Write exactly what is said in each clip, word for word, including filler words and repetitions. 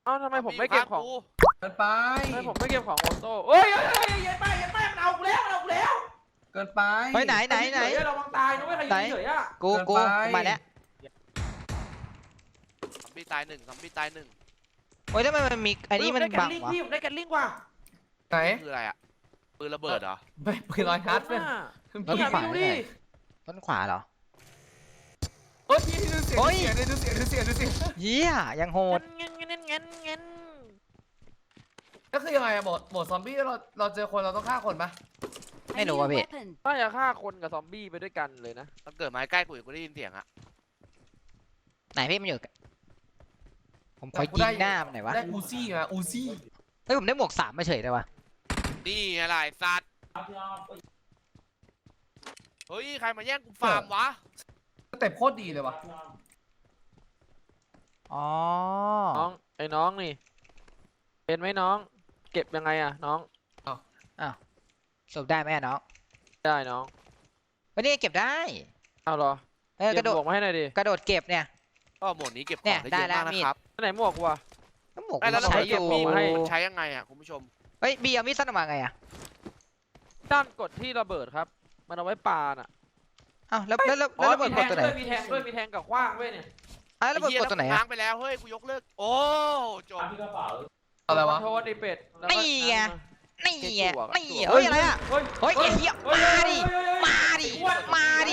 อ้าทำไมผมไม่เก็บของเกินไปทำไมผมไม่เก็บของโอโต้เฮ้ยเฮ้ยเฮ้ยยันไปยันไปมันเอากูแล้วมันเอากูแล้วเกินไปเฮ้ยไหนไหนไหนเราบังตายนะเว้ยใครยิงเฉยอ่ะกูกูมาแล้วซอมบี้ตายหนึ่งซอมบี้ตายหนึ่งโอ้ยแล้วมันมีอันนี้มันบังวะพี่ได้แกนลิงกว่าไหนคืออะไรอ่ะปืนระเบิดเหรอไม่ปืนลอยฮัทเนี่ยต้นขวาเลยต้นขวาเหรอโอ้ยพี่ดูเสียงดูเสียงดูเสียงดูเสียงดูเสียงเยี่ยยังโหดเงี้ยเงี้ยเงี้ยเงี้ยเงี้ยก็คือยังไงอะโหมดโหมดซอมบี้เราเราเจอคนเราต้องฆ่าคนปะไม่รู้ว่ะพี่น่าจะฆ่าคนกับซอมบี้ไปด้วยกันเลยนะถ้าเกิดมาใกล้กูกูได้ยินเสียงอะไหนพี่มันอยู่ผมคอยยิงหน้ามันไหนวะได้อูซี่มาอูซี่เฮ้ยผมได้หมวกสามมาเฉยเลยวะนี่อะไรสัตว์เฮ้ยใครมาแย่งกูฟาร์มวะสเต็ปโคตรดีเลยวะอ๋อน้องไอ้น้องนี่เป็นไหมน้องเก็บยังไงอะน้องอ้าวอ้าวสบได้ไหมน้องได้น้องวันนี้เก็บได้เอาเหรอเออกระโดดมาให้หน่อยดิกระโดดเก็บเนี่ยก็หมดนี้เก็บของได้เยอะมากนะครับไหนหมวกวะหมวกแล้วใช้เก็บมีดใช้ยังไงอะคุณผู้ชมเฮ้ยบีเอามีดสั้นออกมาไงอะด้านกดที่ระเบิดครับมันเอาไว้ปาน่ะอ้าวแล้วแล้วแล้วระเบิดกดตัวไหนมีแทงด้วยมีแทงกับขว้างด้วยเนี่ยอ้าวระเบิดกดตัวไหนล้างไปแล้วเฮ้ยกูยกเลิกโอ้จบอะไรวะโทษดิเป็ดนี่ไงนี่ไงนี่เฮ้ยอะไรอะเฮ้ยไอ้เหี้ยมาดิมาดิมาดิ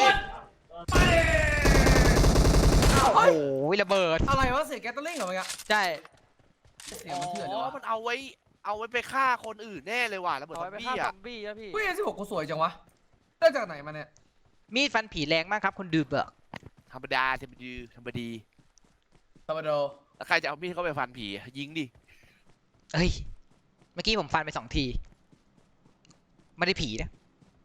โอ้โหระเบิดอะไรวะเสียแก๊สตลิ่งเหรอเมื่อกี้ใช่เสียงมันเถื่อนเลยวะมันเอาไว้เอาไว้ไปฆ่าคนอื่นแน่เลยว่ะระเบิดซอมบี้อะบี้อะพี่เฮ้ยสิบหกกูสวยจังวะได้จากไหนมาเนี่ยมีดฟันผีแรงมากครับคนดื่มเบิกธรรมดาธรรมดีธรรมดีธรรมดาแล้วใครจะเอามีดเข้าไปฟันผียิงดิเฮ้ยเมื่อกี้ผมฟันไปสองทีไม่ได้ผีนะ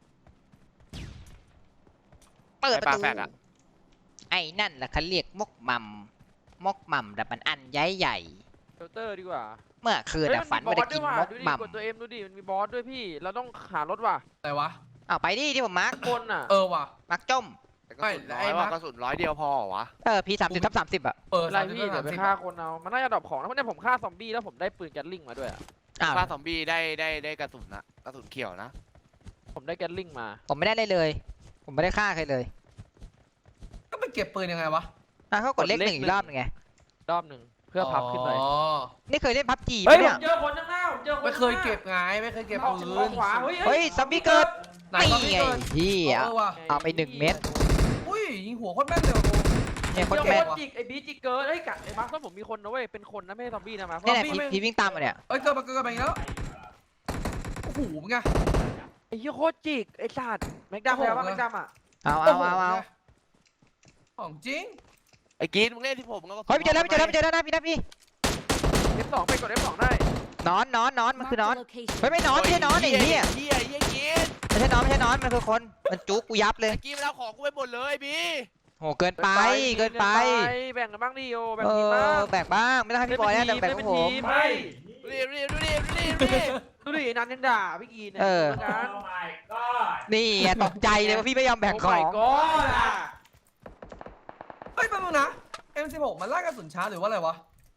เปิดประตูไอ้นั่นแหละเขาเรียกมกมัมมกมัมแต่มันอันใหญ่ใหญ่เชลเตอร์ดีกว่าเมื่อคืนแต่ฝันไม่ได้กินมกมัมกดตัวเอ็มดูดิมันมีบอสด้วยพี่เราต้องหารถว่ะอะไรวะอ้าวไปดิที่ผมมาร์กคนอ่ะเออว่ะมาร์กจมกระสุนน้อยว่ากระสุนร้อยเดียวพอวะเออพีสามสิบทับสามสิบอะเอออะไรพี่เดี๋ยวไปฆ่าคนเอามันน่าจะดรอปของแล้วเนี่ยผมฆ่าซอมบี้แล้วผมได้ปืนแก๊สลิงมาด้วยอ่ะฆ่าซอมบี้ได้ได้ได้กระสุนนะกระสุนเขียวนะผมได้แก๊สลิงมาผมไม่ได้เลยเลยผมไม่ได้ฆ่าใครเลยก็ไปเก็บปืนยังไงวะอ่ะเขากดเลขหนึ่งอีกรอบนึงไงรอบหนึ่งเพื่อพับขึ้นไปนี่เคยเล่นพับจีไหมเนี่ยเจอคนข้างหน้าเจอคนไม่เคยเก็บไงไม่เคยเก็บปืนเฮ้ยซอมบี้เกิดนี่ไงพี่เอาไปหนึ่งเม็ดอุ้ยยิงหัวโคตรแม่นเลยเนี่ยคนแม่นจิกไอ้บีจิกเกิร์ไอ้กัดไอ้มาร์คผมมีคนนะเว้ยเป็นคนนะไม่ใช่ซอมบี้นะมาร์คเนี่ยพี่วิ่งตามมาเนี่ยเอ้ยเกิดมาเกิดมาแล้วโอ้โหมึงไงไอ้ยี่โคตรจิกไอ้สัตว์แม็กดัมแล้วป่ะแม็กดัมอ่ะเอาเอาเอาเอาของจริงไอ้กีนมึงเล่นที่ผมแล้วก็เฮ้ยเจอแล้วเจอแล้วเจอแล้วนะพี่นะพี่เอฟสองไปกดเอฟสองได้นอนนอนนอนมันคือนอนเฮ้ยไม่นอนไม่ใช่นอนไอ้เหี้ยเหี้ยเหี้ยกีนไม่ใช่นอนไม่ใช่นอนมันคือคนมันจุกกูยับเลยกีนมันเอาของกูไปหมดเลยบีโหเกินไปเกินไปแบ่งกันบ้างดิโอแบ่งทีมบ้างแบ่งบ้างไม่ต้องให้พี่บอยแล้วแบ่งของผมดูดิดูดิดูดิดูดิดูดิดูดินันยังด่าพี่กีนเออนี่ตกใจเลยว่าพี่ไม่ยอมแบ่งของเฮ้ยแป๊บนึงนะ เอ็ม สิบหก มันไล่กระสุนช้าหรือว่าอะไรวะ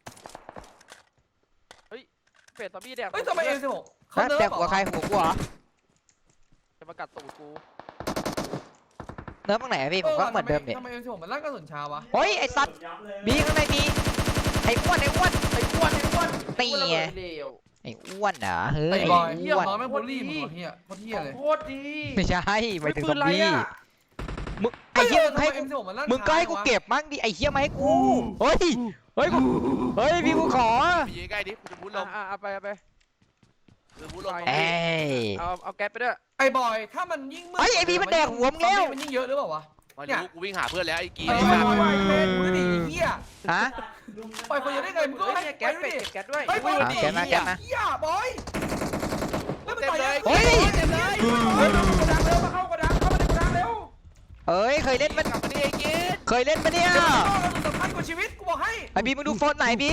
เฮ้ยเป็ดซอมบี้แดกเฮ้ยทำไม เอ็ม สิบหกเขาเนิร์ฟแดกหัวใครหัวกูเหรอจะมากัดตูดกูเนิร์ฟตรงไหนพี่ผมก็เหมือนเดิมเนี่ยทำไม เอ็ม สิบหก มันไล่กระสุนช้าวะเฮ้ยไอ้สัตว์บีข้างในมีไอ้อ้วนไอ้อ้วนไอ้อ้วนไอ้อ้วนตีไงไอ้อ้วนเหรอเฮ้ยไอ้บอยเฮียน้อยแม่งบูลลี่มึงเฮียโคตรเฮียเลยโคตรดีไม่ใช่ไปถึงซอมบี้มึงไอ้เหี้ยให้มึงก็ให้กูเก็บมั่งดิไอ้เหี้ยมาให้กูเฮ้ยเฮ้ยกูเฮ้ยพี่กูขอยิงใกล้ดิกูจะพูดลงอ่ะเอาไปเอาไปจะพูดลงเอ้เอาเอาแก๊สไปด้วยไอ้บอยถ้ามันยิ่งมืดไอ้ไอ้พี่มันแดกหัวมึงแล้วมันยิ่งเยอะหรือเปล่าวะมาดูกูวิ่งหาเพื่อนแล้วไอ้กีนไอ้บอยไอ้เมนมึงดิเฮียฮะปล่อยคนจะได้ไงมึงก็ให้แก๊สไปแก๊สด้วยไอ้บอยแก๊สมาแก๊สมาเฮียบอยเต็มเลยเฮ้ยเต็มเลยเฮ้ยกระดังเร็วมาเข้ากระดังเข้ามาในกระดังเร็วเอ้ยเคยเล่นมันกลับมาดิไอ้กีนเคยเล่นปะเนี่ยสำคัญกว่าชีวิตกูบอกให้ไอ้บีมึงดูโฟนไหนบี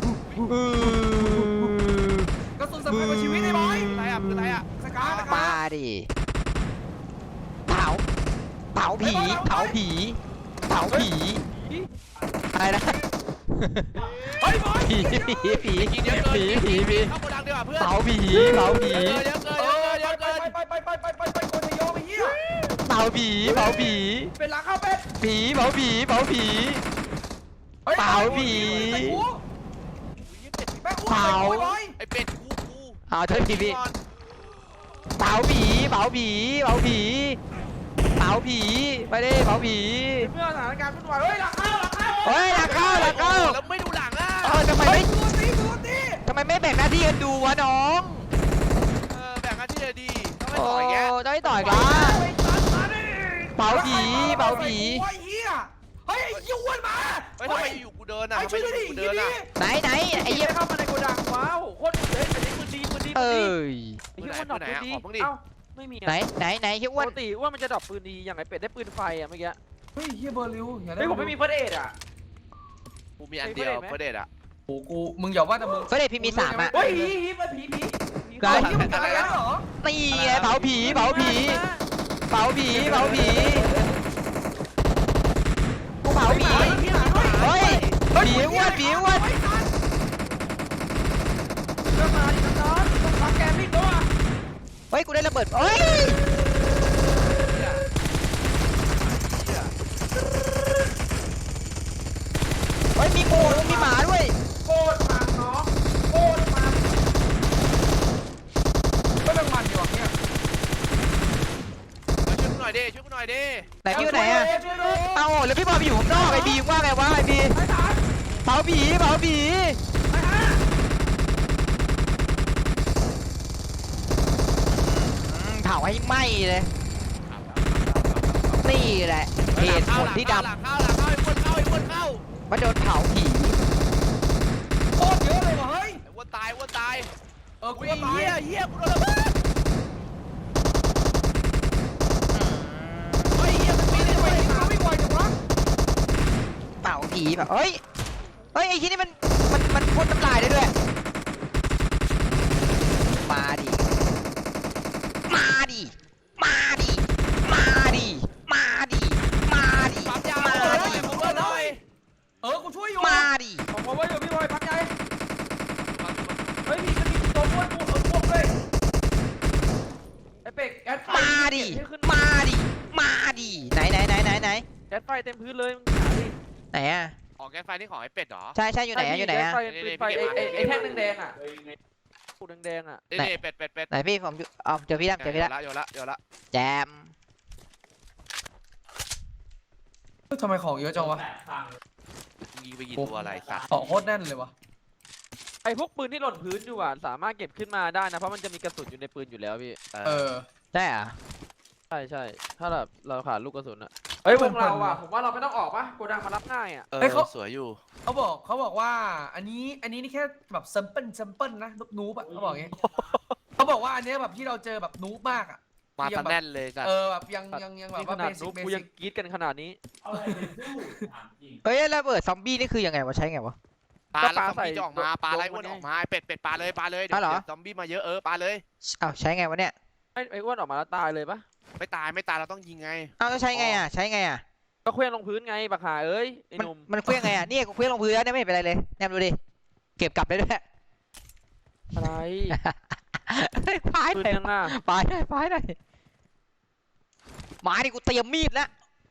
กระสุนสำคัญกว่าชีวิตไอ้บอยอะไรอ่ะคืออะไรอ่ะสกามาดิเผาเผาผีเผาผีเผาผีอะไรนะเฮ้ยบอยผีผีผีกินเยอะเกินผีผีผีเข้าโกดังดีกว่าเพื่อนเผาผีเผาผีเยอะเกินเยอะเอเกินอเยอะเกินไปไปไปไปไปไปไปโกนทยอไปเฮียเผาผีเผาผีเป็นหลังเข้าเป็ดผีเผาผีเผาผี เปล่าผีแม่งอู้เปล่าบอยไอเป็ดกูกูเอาเถอะพี่พี่เผาผีเผาผีเผาผีเผาผีไปดิเผาผีเมื่อสถานการณ์วุ่นวายเฮ้ยหลังเข้าหลังเข้าเฮ้ยหลังเข้าหลังเข้าแล้วไม่ดูหลังอ่ะเออทำไมเฮ้ไม่ยตัวตีตัวตีทำไมไม่แบ่งหน้าที่กันดูวะน้องเออแบ่งกันที่จะดีต้องไปโอ้ต่อยแกได้ต่อยกันไปตัดมาดิเผาผีเผาผีไอ้เหี้ยเฮ้ยไอ้ยูวนมาเฮ้ยทำไมอยู่กูเดินอ่ะไอ้ทำไมช่วยอดิยู่กูเดิเดินนอ่ะอ่ะไหนไหนไอ้เหี้ยเข้ามาในโกดังว้าวโคตรเฮ้ยอันนี้ปืนดีปืนดีเอปืนดี้ยไอ้เหี้ยอ้วนดรอปปืนดีเอ้าไม่มีไหนอะไหนไหนเฮียปอ้วนกติอ้วนมันจะดรอปปืนดีอย่างไอเป็ดได้ปืนไฟอะเมื่อกี้เฮ้ยเฮียเบอร์ลิวอย่าได้เฮ้ยผมไม่มีเฟิร์สเอ็ดอะกูมีอันเดียวเฟรเดตอ่ะโอ้กูมึงอย่าว่าแต่มึงเฟรเดตพี่มีสามอ่ะเฮ้ยผีผีมันผีผีผีไกลไอ้เฮียมึงอะไรแล้วเหรอนี่ไงเผาผีเผาผีเผาผีเผาผีกูเผาผีเฮ้ยผีอ้วนผีอ้วนเริ่มมาดิน้องๆต้องพักแกมพี่ตัวเฮ้ยกูได้ระเบิดเฮ้ยเฮ้ยมีงูมีหมาด้วยโคตรมันเนาะโคตรมันก็ต้องมันดีกว่าเนี่ยช่วยกูหน่อยดิช่วยกูหน่อยดิไหนพี่อยู่ไหนอะช่วยด้วยเอาแล้วพี่บอลไปอยู่ข้างนอกไอ้บีมว่าไงวะไอ้บีไอ้สารเผาผีเผาผีไอ้ฮะอืมเผาให้ไหม้เลยนี่แหละเหตุผลที่ดหลังเข้าหลังเข้าไอ้อ้วนเข้าไอ้อ้วนเข้าำมาโดนเผาผีโคตรเยอะเลยว่ะเฮ้ยไอ้อ้วนตายอ้วนตายเออกูอุ้ยก็ตายเฮียเฮียกูโดนระเบิดเฮ้ยเฮียมันปีนได้ทำไมด้วยขาไม่ไหวจังวะเผาผีแบบเฮ้ยเฮ้ยไอ้ที่นี่มันมันมันพ่นน้ำลายได้ด้วยมาดิมาดิมาดิมาดิมาดิมาดิปั๊มยามาหน่อยดิผมเบิร์หน่อยเออกูช่วยอยู่มาดิผมบอกว่าอยู่พี่บอยพักใจเฮ้ยมีมันมีตัวอ้วนตัวเออพวกเลยไอเป็ดแก๊สไฟมาดิให้ขึ้นมาดิมาดิไหนไหนไหนไหนไหนแก๊สไฟเต็มพื้นเลยมึงหาดิไหนอะออกแกนไฟนี่ของไอ้เป็ดเหรอใช่ใช่อยู่ไหนอะอยู่ไหนอะแก๊สไฟปืนไฟไอไอไอแท่งแดงๆอะปูแดงๆอะนี่นี่เป็ดเป็ดเป็ดไหนพี่ผมอยู่เอาเจอพี่แล้วเจอพี่แล้วโยนละโยนละแจมเฮ้ยทำไมของเยอะจังวะยิงไปยิงตัวอะไรสัตว์ของโคตรแน่นเลยวะไอพวกปืนที่หล่นพื้นอยู่อะสามารถเก็บขึ้นมาได้นะเพราะมันจะมีกระสุนอยู่ในปืนอยู่แล้วพี่เออใช่อะใช่ใช่ถ้าแบบเราขาดลูกกระสุนอะเฮ้ยวงเราอะผมว่าเราไม่ต้องออกปะโกดังมารับง่ายอะเออสวยอยู่เขาบอกเขาบอกว่าอันนี้อันนี้นี่แค่แบบซัมเปิลซัมเปิลนะนูบนูบอะเขาบอกอย่างงี้ เขาบอกว่าอันเนี้ยแบบที่เราเจอแบบนูบมากอะมาตะแน่นเลยสัตเอว์อแบบยังยังยังแบบนี่ขว่านาเบดสินุ๊กกเบกูสิยังกกรี๊ดกันขนาดนี้เฮ้ยระเบิดซอมบี้นี่คือยังไงวะใช้ไงวะปลาก็แล้วปลาซอมบี้ใส่จะออกมาปลาอะไรลงอ้วนมาออกมาไอ้เป็ดเป็ดปลาเลยปลาเลยเดี๋ยอ้าวเหรอวซอมบี้มาเยอะเออปลาเลยอ้าวใช้ไงวะเนี่ยไอ้ไอ้อ้วนออกมาแล้วตายเลยปะไม่ตายไม่ตายเราต้องยิงไงอ้าวแล้วใช้ไงอะใช้ไงอะก็เคลื่อนลงพื้นไงบักหาเอ้ยไอ้มันหนุ่มมันเคลื่อนไงอะเนี่ยกูเคลื่อนลงพื้นแล้วเนี่ยไม่เห็นเป็นไรเลยแนมดูดิเก็บกลับได้ด้วยอะไรพายปืนหน่อยยังอ่ะพายหน่อยพายหน่อยหมาดิกูเตรียมมีดแล้ว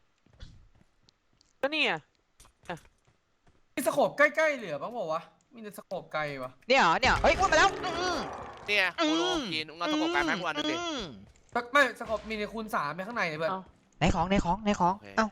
ก็เนี่ยมีสโคปใกล้ๆเหลือบ้างบอกวะมีแต่สโคปไกลวะเนี่ยเหรอเนี่ยเฮ้ยอ้วนมาแล้วอืมเนี่ยโคโลกินอุ้งเอาตะกบไก่แม็กวันนึงดิอืมไม่สโคปมีในคูณสามในข้างในเลยเพื่อนไหนของไหนของไหนของเอ้า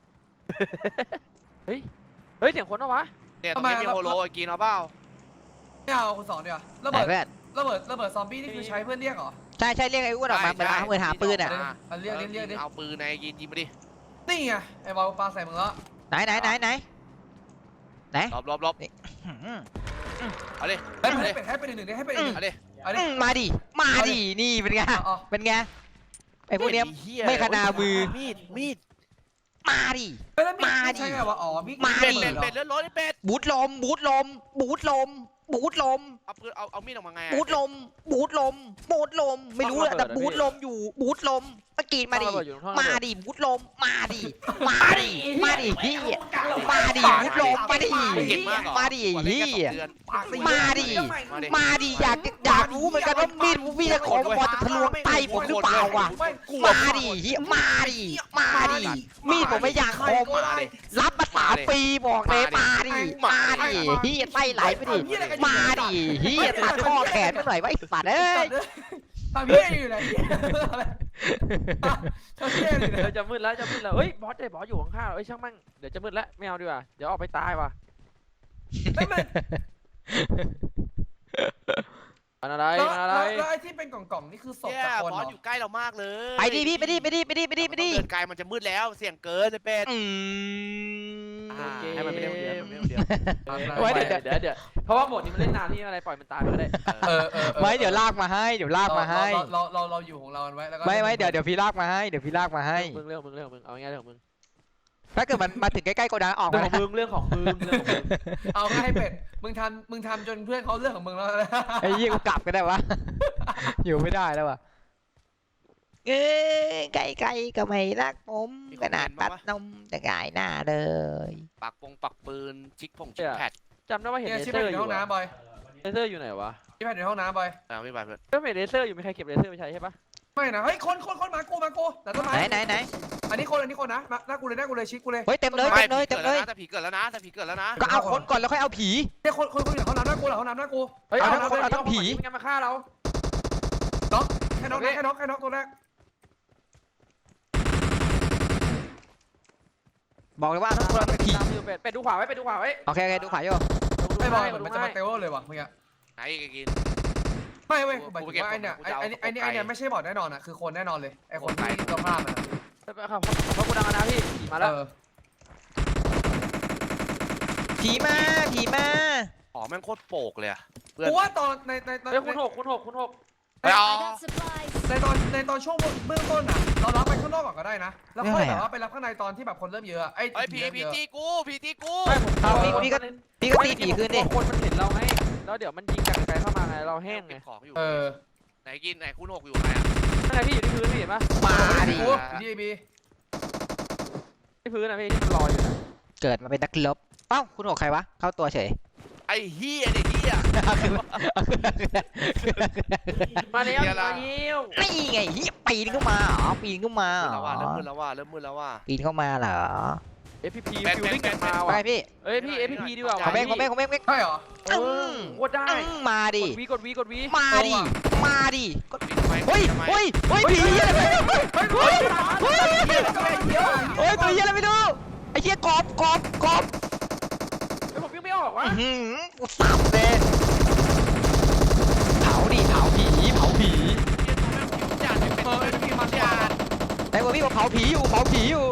เฮ้ยเฮ้ยเสียงคนปะวะเนี่ยตรงนี้มีโฮโลกินเอาเปล่าไม่เอาคูณสองเดียวาระไหนเบิดเพื่อนระเบิดระเบิดซอมบี้นี่คือใช้เพื่อนเรียกเหรอใช่ใช่เรียกไอ้อ้วนออกมาเหมือนหาเหมือนหาปืนอะเอาเรียกเรียกเรียกดิเอาปืนในกินยิงมาดินี่ไงไอ้บอลปลาใส่มึงแล้วไหนไหนไหนไหนไหนรอบรอบรอบอืมเอาดิให้ให้เป็นให้เป็นหนึ่งดิให้เป็นหนึ่งเอาดิเอาดิอืมมาดิมาดินี่เป็นไงเอาเป็นไงไอ้พวกเนี้ยเหี้ยไม่ขนามือมีดมีดมาดิเฮ้ยแล้วมีมาดิใช่ไงวะอ๋อมีมาเป็ดดิเป็ดเป็ดเลือดร้อนไอ้เป็ดบูทลมบูทลมบูทลมบูทลมเอาปืนเอาเอามีดออกมาไงอะบูทลมบูทลมบูทลมไม่รู้แหละแต่บูทลมอยู่บูทลมตะกี้มาดิ มาดิบูทลมมาดิมาดิมาดิพี่มาดิบูทลมมาดิเก่งมากเหรอมาดิพี่ปากตีมาดิมาดิมาดิอยากอยากรู้เหมือนกันว่ามีดพี่จะของบอลจะทะลวงไตผมหรือเปล่าอ่ะมาดิเฮียมาดิมาดิมีดผมไม่อยากคมรับมาสามปีบอกเลยมาดิมาดิเฮียไตไหลไปดิมาดิเฮียตัดข้อแขนไปหน่อยว่าไอ้สัตว์เอ้ยทำเพี้ยอยู่ไหนทำเพี้ยอยู่ไหนเดี๋ยวจะมืดแล้วจะมืดแล้วเฮ้ยบอสเดี๋ยวบอสอยู่ข้างๆเอ้ยช่างมั่งเดี๋ยวจะมืดแล้วไม่เอาดีกว่าเดี๋ยวออกไปตายว่ะไม่ไม่มันอะไรแล้วมันอะไรแล้วไอ้ที่เป็นกล่องๆนี่คือศพเนี่ยจากคนบเหอรสออยู่ใกล้เรามากเลยไปดิพี่ไปดิไปดิไปดิไปดิไปดิเดินไกลมันจะมืดแล้วเสี่ยงเกินเลยเป็ดอืมอ่าให้มันไม่ได้คนเดียวมันไม่ได้คนเดียวไว้เดี๋ยวเดี๋ยวเดี๋ยวเพราะว่าโหมดนี้มันเล่นนานที่อะไรปล่อยมันตายไปก็ได้เออเออไม่เดี๋ยวลากมาให้เดี๋ยวลากมาให้เราเราเราอยู่ของเราไว้แล้วก็ไม่ไม่เดี๋ยวเดี๋ยวพี่ลากมาให้เดี๋ยวพี่ลากมาให้มึงเรื่องมึงเรื่องมึงเอาง่ายๆเรื่องของมึงถ้าเกิดมันมาถึงใกล้ๆโกดังออกเรื่อมางของมึงเรื่องของมึงเรื่องของมึงเอาง่ายเป็ดมึงทำมึงทำจนเพื่อนเขาเรื่องของมึงแล้วนะไอ้ยี่กูกลับก็ได้วะ อยู่ไม่ได้แล้ววะเอ้ยไก่ไก่ก็ไม่รักผมขนาดปัดนมแต่กายหน้าเลยปักปงปักปืนชิกผงชิกแพดจำได้ว่าเห็นเนี่ยเลชิปเซอแพดร์ออยู่ ยู่ห้องน้ำบอยเลเซอร์อยู่ไหนวะชิปแพดอยู่ห้องน้ำบอยเอาไม่ไปเพื่อนก็เห็นเลเซอร์อยู่มีใครเก็บเลเซอร์ไปใช้ใช่ปะไม่นะเฮ้ยคนคนคนมากูมากูแต่ต้นไม้ไหนไหนไหนอันนี้คนอันนี้คนนะหน้ากูเลยหน้ากูเลยชิดกูเลยเฮ้ยเต็มเลยไม่เต็มเลยผีเต็มเกิดเลแล้วยนะแต่ผีเกิดแล้วนะแต่ผีเกิดแล้วนะก็เอาคนก่อนแล้วค่อยเอาผีเนี่ยคนคนคนอยู่ในห้องน้ำหน้ากูเหรอห้องน้ำหน้ากูเฮ้ยเอาเอาทั้งคนเอาทั้งผีมันมาฆ่าเราแค่น็อกนะแค่น็อกแค่น็อกตัวแรกบอกเลยว่าทั้งคนเป็นผีตามอยู่เป็ดเป็ดดูขวาไว้เป็ดดูขวาไว้โอเคโอเคดูขวาโยไม่บอยดูมันให้จะมาเตลเลยว่ะมึงอะไหนกินไม่เว้ยหมายถึงว่าไอเนี่ยไอไอไอเนี่ยไอเนี่ยไม่ใช่บอดแน่นอนอะคือคนแน่นอนเลยไอคนที่ตัวภาพมันไปครับเพราะกูดังนะพี่ขี่มาแล้วเออผีมาผีมาอ๋อแม่งโคตรโปกเลยอะเพื่อนกูว่าตอนในในในเฮ้ยคุณหกคุณหกคุณหกไปเอา I got supplies. ในตอนในตอนช่วงเบื้องต้นอะเรารับไปข้างนอกก่อนก็ได้นะแล้วค่อยแบบว่าไปรับข้างในตอนที่แบบคนเริ่มเยอะไอเฮ้ยผีผีจีกูผีจีกูไม่ผมเอาพี่พี่ก็พี่ก็ตีผีคืนดิคนมันเห็นเราไงแล้วเดี๋ยวมันยิงจากไกลเข้ามาไงเราแห้งไงเก็บของอยู่เออไหนกินไหนคุณหกอยู่ไหนอะนั่นไงพี่อยู่ที่พื้นพี่เห็นปะมาดิกูดีบีที่พื้นนะพี่ที่ลอยอยู่นะเกิดมาเป็นนักรบเอ้าคุณหกใครวะเข้าตัวเฉยไอ้เฮียไอ้เฮียมาแล้วมาแล้วนี่ไงเฮียปีนเข้ามาเหรอปีนเข้ามาเริ่มเหรแล้วว่าอเริ่มมืดแล้วว่าเริ่มมืดแล้วว่าปีนเข้ามาเหรอเอฟพีพีแปดฟิลลิ่งแปดมาไปว่ะพี่เอ้ยพี่เอฟพีพีดีกว่าของเม่งของเม่งของเม่งเม่งใช่เหรออืมกดได้อืมมาดิกดวีกดวีกดวีมาดิมาดิมีทำไมเฮ้ยทำไมเฮ้ยเฮ้ยผีอะไรไม่รู้เฮ้ยเฮ้ยเฮ้ยผีอะไรไม่รู้ไอ้เหี้ยกบกบกบเฮ้ยผมยังไม่ออกวะอื้อหือกูสับเลยเผาดิเผาผีเผาผีเฮียตัวแม่งผิวจัดเป็นตัวแม่งผิวจัดไอ้พวกพี่บอกเผาผีอยู่เผาผีอยู่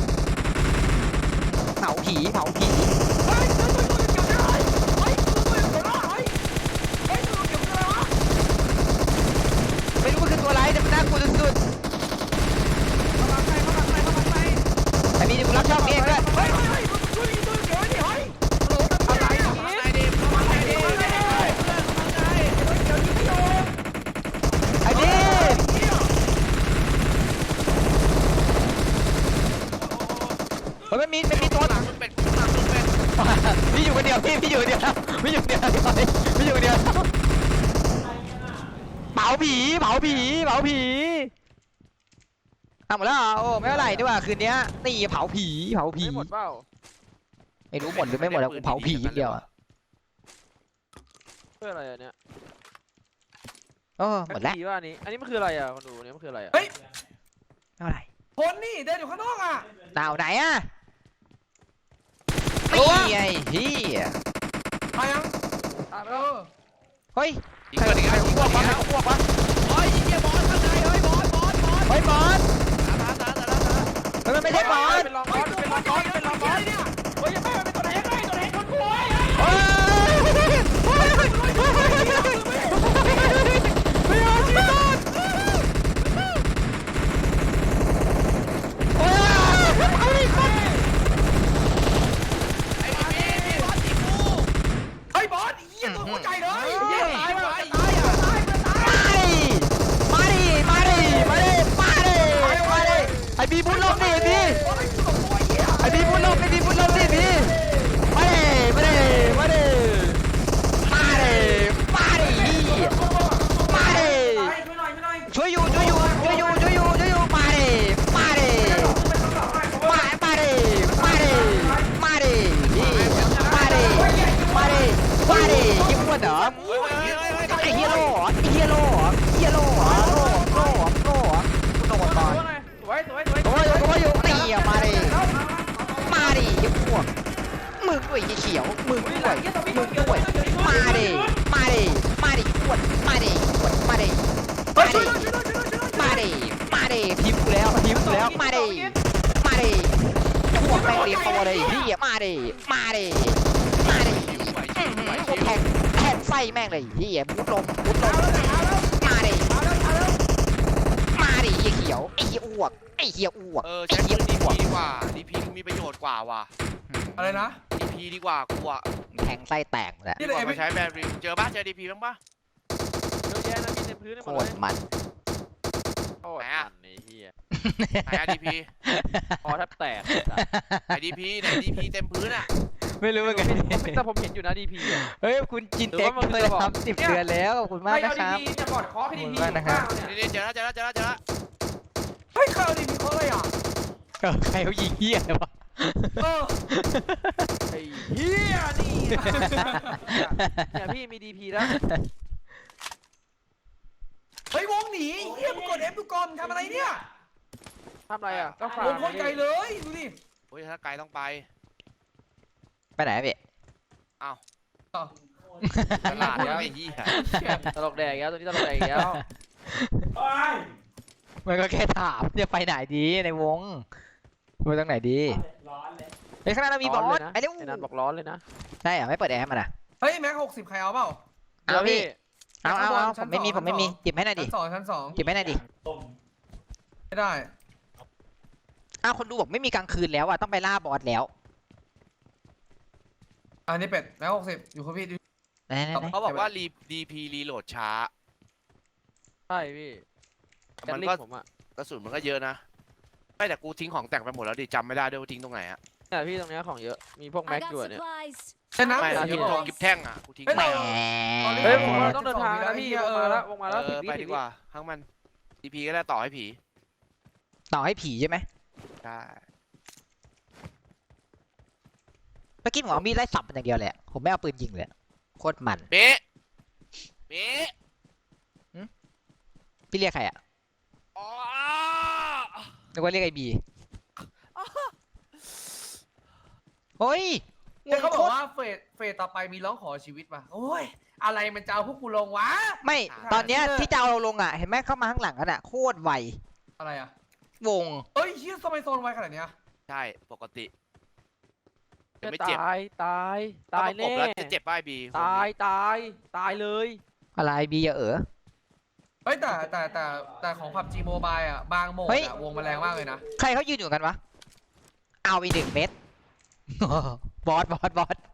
เผาผีเผาผีเฮ้ยตัวตัวตัวเกี่ยวได้เฮ้ยตัวตัวเกี่ยวได้เฮ้ยเฮ้ยตัวเกี่ยวได้วะไม่รู้มันคือตัวอะไรแต่มันน่ากลัวสุดเข้ามาใครเข้ามาใครเข้ามาใครๆแต่มีที่กูรับชอบเองด้วยเฮ้ยเฮ้ยตัวตัวตัวเกี่ยวได้ดิเฮ้ยฮัลโหลอะไรอะอย่างไรงี้ไอ้ดิเข้ามาไอ้ดิไอ้นี่เฮ้ยมันมีมันมีตัวหลังมึงเป็นหลังมึงเป็นพี่อยู่คนเดียวพี่พี่อยู่คนเดียวพี่อยู่คนเดียวพี่อยู่คนเดียวเผาผีเผาผีเผาผีเอาหมดแล้วเหรอโอ้ไม่เท่าไหร่ดีกว่าคืนนี้นี่เผาผีเผาผีไม่หมดเปล่าไม่รู้หมดหรือไม่หมดแล้วกูเผาผีอย่างเดียวอะเพื่ออะไรอ่ะเนี่ยโอ้หมดแล้วผีว่าอันนี้อันนี้มันคืออะไรอ่ะคนดูเนี่ยมันคืออะไรอ่ะเฮ้ยเท่าไหร่คนนี่เดินอยู่ข้างนอกอ่ะดาวไหนอะนี่ไงเฮียมายังตามไปเอแล้วอเฮ้ยยิงกันอีกแล้วยิงกันอีกแล้วพวกวะโอ้ยยิงเฮียบอสข้างในเฮ้ยบอสบอสบอสเฮ้ยบอสตาตาตาตาตาเฮ้ยมันไม่ใช่บอสเป็นรองบอสเป็นรองบอสเป็นรองบอสเนี่ยเฮ้ยยังไม่เป็นตัวไหนยังไงตัวไหนคนป่วยเฮ้ยไม่เอาจีบอสโอ้ยเอาดิคนไอ้พี่พี่บอสจีกูเฮ้ยบอสเหี้ยตัวหัวใจวดเหรอเฮ้ยเฮ้ยเฮ้ยเฮ้ยไอ้เฮียโล่เหรอไอ้เฮียโล่เหรอเฮียโล่เหรอโล่โล่โล่กูโดนก่อนสวยสวยสวยโอ้ยโอ้ยนี่อ่ะมาดิมาดิไอ้พวกมึงด้วยไอ้เขียวมึงด้วยมึงด้วยมาดิมาดิมาดิขวดมาดิขวดมาดิเฮ้มายช่วยดิด้วยช่วยด้วยช่วยด้วยมาดิมาดิพิมพ์กูแล้วพิมพ์กูแล้วมาดิมาดิพวกแม่งเรียงตัวเลยพี่มาดิมาดิมาดิแทงแทงไส้แม่งเลยพี่มุดลมมุดลมมาดิมาดิไอ้เขียวไอ้เหี้ยอ้วกไอ้เหี้ยอ้วกเออไอ้ใช้เหี้ยดีอ้วพีกดีกว่าดีพีมีประโยชน์กว่าว่ะอะไรนะดีพีดีกว่ากูอ่ะแทงไส้แตกหมดแล้วดีกว่ามาใช้แบริลเจอป่ะเจอดีพีบ้างป่ะเยอะแยะนะมีเต็มพื้นโคหมดตเลรยมันโอ้ยมันไอ้เหี้ยไหนอะดีพีคอแทบแตกไหนดีพีไหนดีพีเต็มพื้นอ่ะไม่รู้เหมือนกันแต่ผมเห็นอยู่นะดีพีเฮ้ยคุณจินเต็กเคยทำสิบเดือนแล้วขอบคุณมากไม่นะเอาคดีรับพีจะบอดคอให้ดีพีขอบคุณมากนะครับนี่นี่เจอแล้วเจอแล้วเจอแล้วเจอแล้วเฮ้ยข่าวดีมีเขาอะไรอ่ะเออใครเขายิงเฮียเลยวะเออไอ้เหี้ยนี่เนี่ยพี่มีดีพีแล้วเฮ้ยวงหนีเฮียมึงกดเอฟดูก่อนทำอะไรเนี่ยทำอะไรอ่ะก็ฝากวงโคตรไกลเลยดูดิโอ้ยถ้าไกลต้องไปไปไหนพี่อ้าวตลาดแล้วไอ้ยี่ตลกแดกแล้วตัวนี้ตลกแดกแล้วมันก็แค่ถามจะไปไหนดีในวงไปตรงไหนดีเฮ้ยข้างหน้าเรามีบอสไอ้เร็วไอ้นันบอกร้อนเลยนะใช่เหรอไม่เปิดแอร์มันอ่ะเฮ้ยแม็กหกสิบใครเอาเปล่าเอาพี่เอาเอาเอาชั้ผมนไม่มีสองผมไม่มีชั้นสองหยิบให้หน่อยดิชั้นสองชั้นสองหยิบให้หน่อยดิไม่ได้อ้าวคนดูบอกไม่มีกลางคืนแล้วอ่ะต้องไปล่าบอสแล้วอันนี้เป็ดแม็กหกสิบอยู่กับพี่ดูไหนไหนไหนเขาบอกว่ารีดีพีรีโหลดช้าใช่พี่มันก็กระสุนมันก็เยอะนะไม่แต่กูทิ้งของแต่งไปหมดแล้วดิจำไม่ได้ด้วยว่าทิ้งตรงไหนอะเนี่ยพี่ตรงเนี้ยของเยอะมีพวก I แม็ก got อยู่เนี่ย supplies. ใช่น้ำไม่เหลือนะเยทิ้งอะตรงเปล่ากิฟแท่งอะกูทิ้งเฮ้ยไปเราเฮ้ยผมว่าต้องเดินทางแล้วพี่วงมาแล้ววงมาแล้วเอสิบอวิไปสิดีบวิกว่าทั้งมันดีพีก็ได้ต่อให้ผีต่อให้ผีใช่ไหมใช่เมื่อกี้ผมเอามีดไล่สับมันอย่างเดียวแหละผมไม่เอาปืนยิงเลยโคตรมันเป๊ะเป๊ะพี่เรียกใครอ่ะอ๋อนึกว่าเรียกไอ้บีเฮ้ยเนี่ยเขาบอกว่าเฟสเฟสต่อไปมีร้องขอชีวิตว่ะโอ้ยอะไรมันจะเอาพวกกูลงวะไม่ตอนเนี้ยที่จะเอาเราลงอ่ะเห็นไหมเข้ามาข้างหลังกันอ่ะโคตรไวอะไรอ่ะวงเฮ้ยเฮียทำไมโซนไวขนาดเนี้ยใช่ปกติยังไม่ตเจ็บายตายตายถ้แน่ประกบแล้วจะเจ็บป้ายบีตายตายตายเลยอะไรบีอย่าเออเฮ้ยแต่แต่แต่แต่ของผับจีโมบายอ่ะบางโหมดเฮ้ยอ่ะวงมันแรงมากเลยนะใครเขายืนอยู่กันวะเอาอีกหนึ่งเม็ด บอสบอสบอส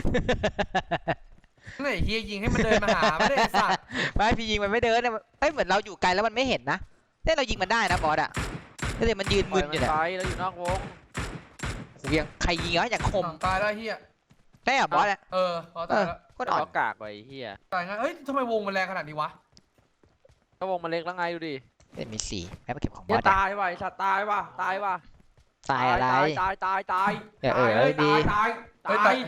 ไหนเฮียยิงให้มันเดินมาหาไม่ได้ไอ้สัตว์ไม่พี่ยิงมันไม่เดินเนี่ยเอ้ยเหมือนเราอยู่ไกลแล้วมันไม่เห็นนะเนี่ยเรายิงมันได้นะบอสอ่ะแต่เดี๋ยวมันยืนปล่มึอยนมัอน ยู่เนี่ยไปแล้วอยู่นอกวงโหยังใครยิงอ่ะอย่างคมอ้าวตายแล้วเฮียได้เหรอบอสอ่ะเออพอตายแล้วโคตรอ่อนก็กากไปเฮียตายงั้นเฮ้ยทำไมวงมันแรงขนาดนี้วะก็วงมันเล็กแล้วไงดูดิเอ้ยมีสี่แม่มาเก็บของบเฮีอย สอ่ะตายว่ะไอ้สัตว์ตายว่ะตายว่ะตายอะไรตายตายตายตายอย่าเออตายดีตายเฮ้ยตาแต่ย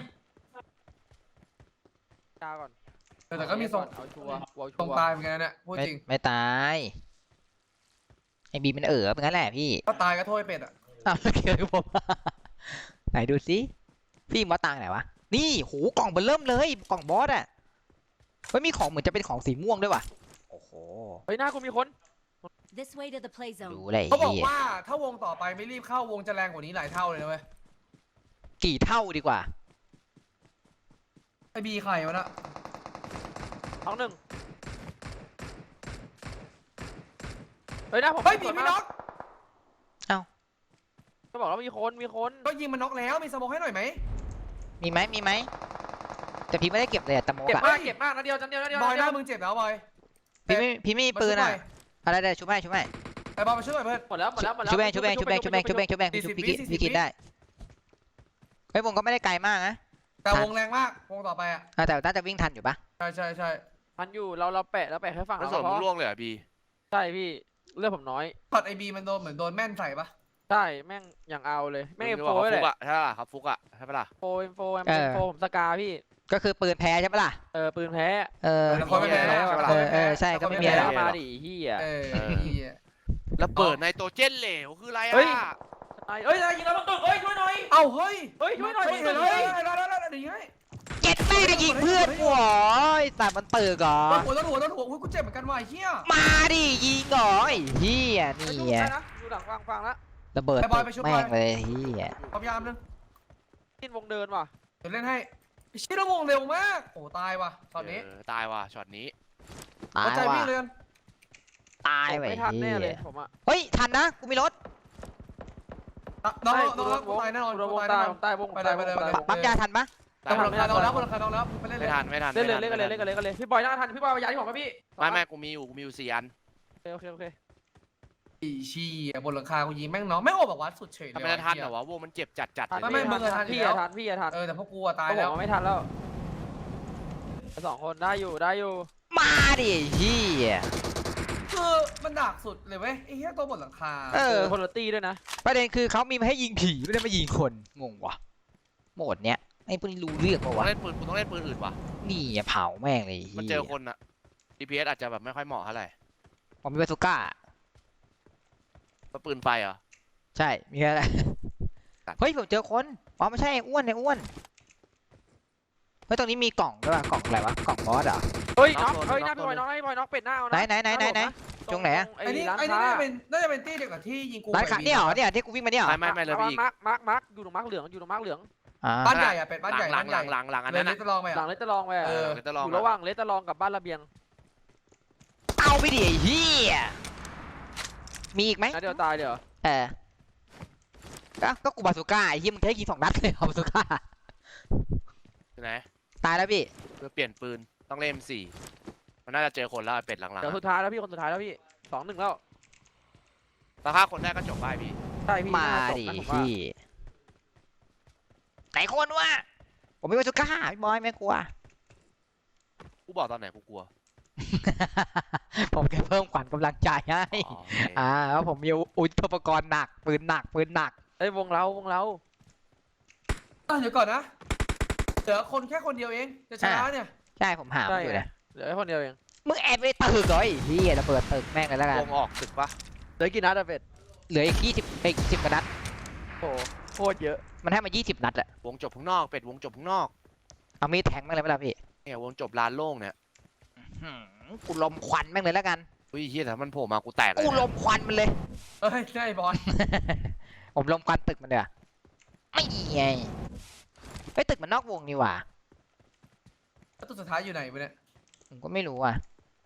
ตายก่อนเออแต่ก็มีทรงเอาชัวร์เอาตชัรงวร์ตายเหมือนกันนะเนี่ยพูดไม่จริงไม่ตายไอ้บีมันเออเป็นงั้นแหละพี่ก็ตายก็โทษไอ้เป็ดอ่ะอ้าวเกี่ยวกับผม ไหนดูสิพี่มอสตังไหนวะนี่โหกล่องเบอร์เริ่มเลยกล่องบอสอ่ะเฮ้ยมีของเหมือนจะเป็นของสีม่วงด้วยว่ะโอ้โหเฮ้ยหน้ากูมีคน This way to the play ดู zone. เลยเขาบอกเหี้ยว่าถ้าวงต่อไปไม่รีบเข้าวงจะแรงกว่านี้หลายเท่าเลยนะเว้ยกี่เท่าดีกว่าไอ้บีใครวะน่ะท้องหนึ่งเฮ้ยหน้าผมเฮ้ยบีไม่น็อกก็บอกแล้วมีคนมีคนก็ยิงมันน็อกแล้วมีสโมองให้หน่อยไหมมีไหมมีไหมแต่พี่ไม่ได้เก็บเลยอะตะโมกเก็บอะมากเก็บมากนะเดียวจันเดียวนะเดียวบอยหเดีน้ายวมึงเจ็บแล้วบอยพี่ไม่พี่ไม่มีปืนอะอะไรได้ชุบให้ชุบให้ไอ้บอยมาช่วยหน่อยเพื่อนหมดแล้วหมดแล้วหมดแล้วชุบแบงชุบแบงชุบแบงชุบแบงชุบแบงชุบแบงสี่ชุสิบบ พี่วิกินสี่สิบพี่กินวิได้เฮ้ยวงก็ไม่ได้ไกลมากนะแต่วงแรงมากวงต่อไปอ่ะอ่ะแต่น่าจะวิ่งทันอยู่ปะใช่ใช่ใช่พันอยู่เราเราแปะเราแปะแค่ฝั่งแล้วเราส่วนพมึองล่วงเลยเหรอบีใช่พี่เลือดผมน้อยช็อตไอบีมันโดนเหมือนโดนแม่นใส่ปะใช่แม่งอย่างเอาเลยแม่งเอ็มมึโฟบอกเลเขาฟุยกอะใช่ปะล่ะครับฟุกอะใช่ปะล่ะโฟเอ็มโฟเอ็มโฟผมสกาพี่ก็คือปืนแพ้ใช่ปะล่ะเออปืนแพ้เออแต่คนไม่แพ้เออเออใช่ก็ไม่มีอะไรหรอกมาดิเฮียเออเหี้ยแล้วเปิดไนโตรเจนเหลวคืออะไรเฮ้ยอ่ะเฮ้ยยิงเราต้องตึกเฮ้ยช่วยหน่อยเอ้าเฮ้ยเฮ้ยช่วยหน่อยเฮ้ยช่วยหน่เฮ้อยยได้ได้ได้ได้ได้เจ็ดแม่ยิงเพื่อนกูเหรอไอ้สัตว์มันตึกเหรอหัวโดนหัวโดนหัวกูเจ็บเหมือนกันว่ะไอ้เหี้ยมาดิยิงเหรอไอ้เหี้ยไปนี่ดูไงได้นะดูหลังฟังฟังแล้วระเบิดไปบอยไปช่วยแม่บอยงเลยเหี้ยความยามนึงกินวงเดินว่ะเดี๋ยวเล่นให้ไอ้เชี่ยระวงเร็วมากโอ้ตายว่ะตอนนี้เออตายว่ะช็อตนี้ตายเข้าใจว่ะวิ่งเลยตายไปไม่ทันแน่เหี้เลยยผมอะเฮ้ยทันนะกูมีรถน้องไม่น้องน้องวงตายแน่นอนวงตายใต้แน่นอนวงใต้วงไปเลยไปเลยไปเลยปั๊มยาทันปะตายคนละคาน้องแล้วคนละคาน้องแล้วไปเล่นเลไม่ยทันไม่ทันเล่นเลยไม่เล่นทักันเลยเล่นกันเลยเล่นกันเลยพี่บอยน่าทันพี่บอยเอายาที่ผมมาพี่ไม่ไม่กูมีอยู่กูมีอยู่สี่อันโอเคโอเคอีชีบนหลังคากูยิงแม่งน้องแม่งโอ้แบบวัดสุดเฉยเลทำยไมจะทันเหรอวะวงมันเจ็บจัดจัดทันเลยไม่เนี่ยมึงอะทันพี่อยู่อะแล้วทันพี่อะทันเออแต่พวกกูอะตายเขาบแล้อกวว่าไม่ทันแล้วสองคนได้อยู่ได้อยู่มาดิเหี้ยคือมันดักสุดเลยเว้ยไอ้เหี้ยตัวบนหลังคาเออคนละตีด้วยนะประเด็นคือเขามีมาให้ยิงผีไม่ได้มายิงคนงงวะโหมดเนี้ยไอ้พวกนี้รู้เรื่องปะต้อวะงเล่นปืนกูต้องเล่นปืนอื่นว่ะนี่อะเผาแม่งเลยมันเจอคนอะ ดี พี เอส อาจจะแบบไม่ค่อยเหมาะเท่าไหร่ผมมีบาซูก้าก็ปืนไฟเหรอใช่มีอะไรตัดเฮ้ยผมเจอคนอ๋อไม่ใช่ไอ้อ้วนไอ้อ้วนเฮ้ยตรงนี้มีกล่องด้วยป่ะกล่องอะไรวะกล่องบอสเหรอเฮ้ยน็อกเฮ้ยหน้าพี่บอยน็อกหน้าพี่บอยน็อกเป็ดหน้าเอานะไหนไหนไหนไหนไหน ตรงไหนอะไอ้นี่ร้านไอ้นี่ค้าน่าจะเป็นน่าจะเป็นตี้เดียวกับที่ยิงกูร้านค้าเนี่ยเหรอเนี่ยที่กูวิ่งมาเนี่ยเหรอไม่ไม่ไม่เลยพี่อีกมาร์คมาร์คมาร์คอยู่ตรงมาร์คเหลืองอยู่ตรงมาร์คเหลืองอ่าบ้านใหญ่อะเป็ดบ้านใหญ่หลับ้าง นหใหลัญ่งหลังหลังอันเลนั้ยนเลอะยจะลองไปหลัอะงเลสเตอร์ลองไปอะเออเลสเตอร์ลองอยู่ระหว่างเลสเตอร์ลองกับบ้านระเบียงเอาไปดิไอ้เฮียมีอีกไหมนัดเดียวตายเดี๋ยวเออก็ก็กูบาซูก้าไอ้เฮียมึงแค่ยิงสองนัดเลยเอาบาซูก้าอยู่ไหนตายแล้วพี่เพื่อเปลี่ยนปืนต้องเล่น เอ็ม โฟร์ มันน่าจะเจอคนแล้วไอ้เป็ดหลังๆเดี๋ยวอะสุดท้ายแล้วพี่คนสุดท้ายแล้วพี่สองหนึ่งแล้วถ้าฆ่าคนได้ก็จบไปพี่ใช่พี่มาน่จบดินะผมว่าพี่ไหนคนวะผมมีบาซูก้าพี่บอยไม่กลัวกูบอกตอนไหนกูกลัวผมแค่เพิ่มขวัญกำลังใจให้อ๋อโอเคอ่าแล้วผมมีอุปกรณ์หนักปืนหนักปืนหนักเอ้ยวงเราวงเราอ่ะเดี๋ยวก่อนนะเหลือคนแค่คนเดียวเองจะชนะเนี่ยใช่ผมหามาอยู่นะเหลือแค่คนเดียวเองมึงแอบไปตึกเหรอไอ้เฮียระเบิดตึกแม่งเลยแล้วกันวงออกตึกปะเหลือกี่นัดอะเป็ดเหลืออีกยี่สิบอีกสิบกว่านัดโอ้โหโคตรเยอะมันให้มายี่สิบนัดอะวงจบข้างนอกเป็ดวงจบข้างนอกเอามีดแทงแม่งเลยไหมล่ะพี่เนี่ยวงจบลานโล่งเนี่ยหืมกูลมควันแม่งเลยแล้วกันอุ้ยเฮียแต่มันโผล่มากูแตกเลยกูลนะมควันมันเลยเอ้ยใช่บอลผมลมควันตึกมันเด้อไม่ไงไอ้ยตึกมันนอกวงนี่หว่าแล้วตัวสุดท้ายอยู่ไหนวะเนี่ยผมก็ไม่รู้อ่ะ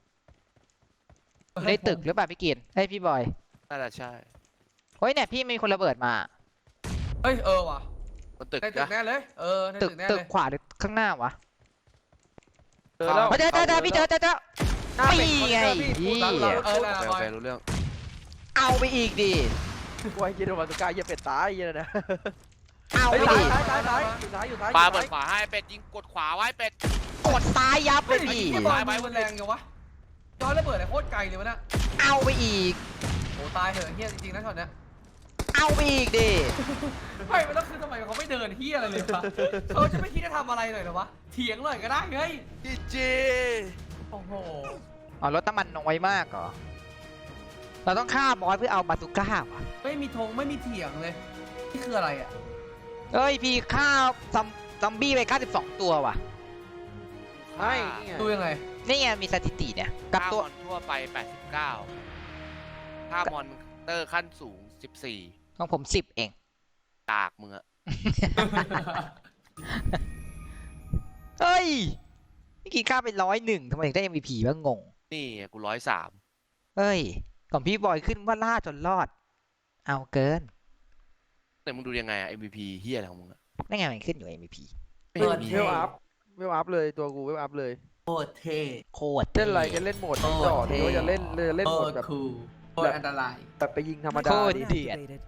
ในตึกหรือเปล่าพี่กินเฮ้ยพี่บอยน่าจะใช่เฮ้ยเนี่ยพี่มีคนระเบิดมาเฮ้ยเออว่ะบนตึกในตึกนะแน่เลยเออในตึตึกกแน่ตึเลกยขวาหรือข้างหน้าวะเจอแล้วเฮ้ยเจอเจอเจอพี่เจอเจอเจอหน้าเป็ดนี่ไงคอนเทนเนอร์พี่เหี้ยเออนะโอเคบโออยเครู้เรื่องเอาไปอีกดิกลัวไอ้กินโดนบาสุก้าเหี้ยเป็ดตายเหี้ยนะเอาไปเฮ้ยดิตายตายตายอยู่ท้ายอยู่ท้ายปาเปิดขวาให้เป็ดยิงกดขวาไว้เป็ดกดซ้ายยับไปเฮ้ยดิไอ้บอลมันแรงยังวะย้อนระเบิดอะไรโคตรไกลเลยวะน่ะเอาไปอีกโอ้ตายเหอะเฮียจริงๆนะช็อตเนี้ยเอาไปอีกดิไม่แล้วคือทำไมเขาไม่เดินเฮียอะไรเลยวะเขาจะไม่คิดจะทำอะไรหน่อยเหรอวะเถียงหน่อยก็ได้เฮ้ยจีจีโอ้โหอ๋อรถน้ำมันน้อยมากเหรอเราต้องฆ่าบอสเพื่อเอาบาซูก้าวะไม่มีธงไม่มีเถียงเลยนี่คืออะไรอ่ะเฮ้ยพี่ฆ่าซอมซอมบี้ไปเก้าสิบสองตัวว่ะไม่นี่ไงดูยังไงนี่ไงมีสถิติเนี่ยกับค่าตัวมอนทั่วไปแปดสิบเก้าค่ามอนเตอร์ขั้นสูงสิบสี่ของผมสิบเองตากมึงอะเฮ้ยพี่กินค่าไปร้อยหนึ่งทำไมถึงได้ เอ็ม วี พี ว่างงนี่ไงกูร้อยสามเฮ้ยก่อนพี่บอยขึ้นว่าล่าจนรอด เอาเกินแต่มึงดูยังไงอะ เอ็ม วี พี เฮียอะไรของมึงอะนั่นไงมันขึ้นอยู่ เอ็ม วี พีไม่เปิดมีเวลอัพเวลอัพเลยตัวกูเวลอัพเลยโคตรเท่โคตรเล่นอะไรจะเล่นโหมดจอดหรือว่าจะเล่นเลยเล่นโหมดแบบคูลโคตรอันตรายแบบไปยิงธรรมดาโคตรดิเดือด